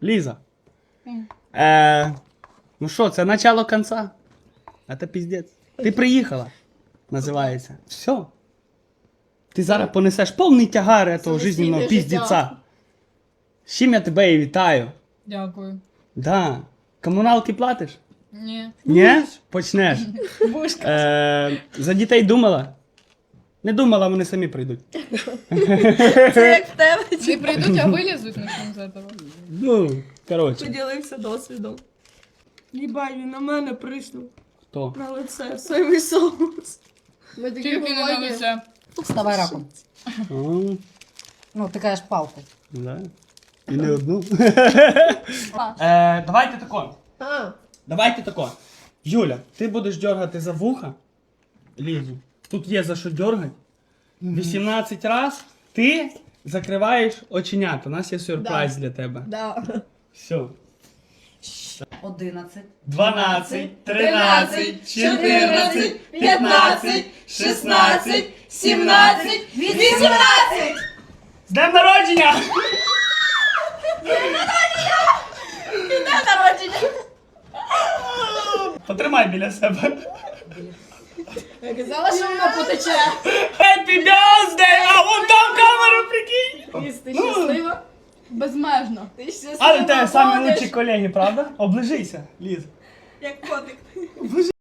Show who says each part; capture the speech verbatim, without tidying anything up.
Speaker 1: Ліза. Е, ну що, це начало кінця. Це піздець. Ти приїхала, називається. Все. Ти зараз понесеш повний тягар этого жизненного піздеця. З чим я тебе і вітаю.
Speaker 2: Дякую.
Speaker 1: Да. Комуналки платиш?
Speaker 2: Ні.
Speaker 1: Ні? Почнеш. Е, за дітей думала? Не думала, вони самі прийдуть.
Speaker 3: Це як в тебе.
Speaker 2: Не прийдуть, а вилізуть начнем з этого.
Speaker 1: Ну, коротше.
Speaker 3: Поділився досвідом. Їбай, він на мене приснув.
Speaker 1: Хто?
Speaker 3: На лице, соєвий соус. Ми такі
Speaker 2: Тільки не на
Speaker 3: голодні.
Speaker 2: лице.
Speaker 4: Вставай раком.
Speaker 1: А,
Speaker 4: Ну, ти кажеш палку.
Speaker 1: да. І не одну. е, давайте тако.
Speaker 3: А,
Speaker 1: Давайте тако. Юля, ти будеш дергати за вуха Лізу. Тут є за що дергати. вісімнадцять раз ти закриваєш оченята. У нас є сюрприз для тебе.
Speaker 3: да.
Speaker 1: Все.
Speaker 4: Одинадцять.
Speaker 1: дванадцять, тринадцять, чотирнадцять, п'ятнадцять, шістнадцять, сімнадцять, вісімнадцять! З днем народження! Потримай біля себе.
Speaker 3: Я казала, що вона потече.
Speaker 1: Happy birthday! А вон там камера, прикинь!
Speaker 3: Ліз, ти щаслива?
Speaker 2: Безмежно.
Speaker 3: Ти щаслива?
Speaker 1: Але в тебе самі
Speaker 3: ходиш?
Speaker 1: лучші колеги, правда? Оближися, Ліз.
Speaker 3: Як котик.